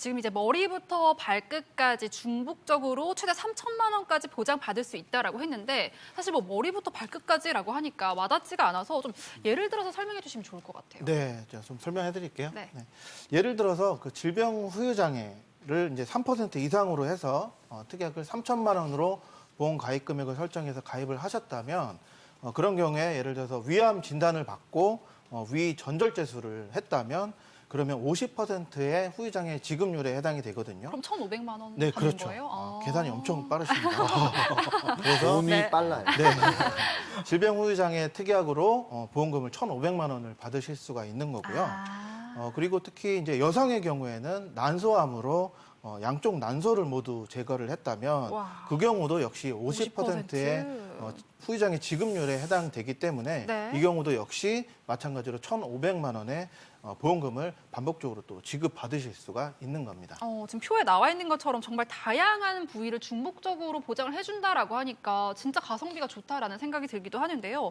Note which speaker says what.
Speaker 1: 지금 이제 머리부터 발끝까지 중복적으로 최대 3천만 원까지 보장받을 수 있다라고 했는데 사실 뭐 머리부터 발끝까지라고 하니까 와닿지가 않아서 좀 예를 들어서 설명해 주시면 좋을 것 같아요.
Speaker 2: 네, 제가 좀 설명해 드릴게요.
Speaker 1: 네.
Speaker 2: 예를 들어서 그 질병 후유 장애를 이제 3% 이상으로 해서 특약을 3천만 원으로 보험 가입 금액을 설정해서 가입을 하셨다면 그런 경우에 예를 들어서 위암 진단을 받고 위 전절제술을 했다면 그러면 50%의 후유 장애 지급률에 해당이 되거든요.
Speaker 1: 그럼 1,500만 원
Speaker 2: 네,
Speaker 1: 받는
Speaker 2: 그렇죠.
Speaker 1: 거예요?
Speaker 2: 계산이 엄청 빠르십니다. 그래서
Speaker 3: 몸이
Speaker 1: 네.
Speaker 3: 빨라요.
Speaker 2: 네. 질병 후유 장애 특약으로 보험금을 1,500만 원을 받으실 수가 있는 거고요. 그리고 특히 이제 여성의 경우에는 난소암으로 양쪽 난소를 모두 제거를 했다면
Speaker 1: 와.
Speaker 2: 그 경우도 역시 50%의 후유장애 지급률에 해당되기 때문에
Speaker 1: 네.
Speaker 2: 이 경우도 역시 마찬가지로 1,500만 원의 보험금을 반복적으로 또 지급받으실 수가 있는 겁니다.
Speaker 1: 지금 표에 나와 있는 것처럼 정말 다양한 부위를 중복적으로 보장을 해준다라고 하니까 진짜 가성비가 좋다라는 생각이 들기도 하는데요.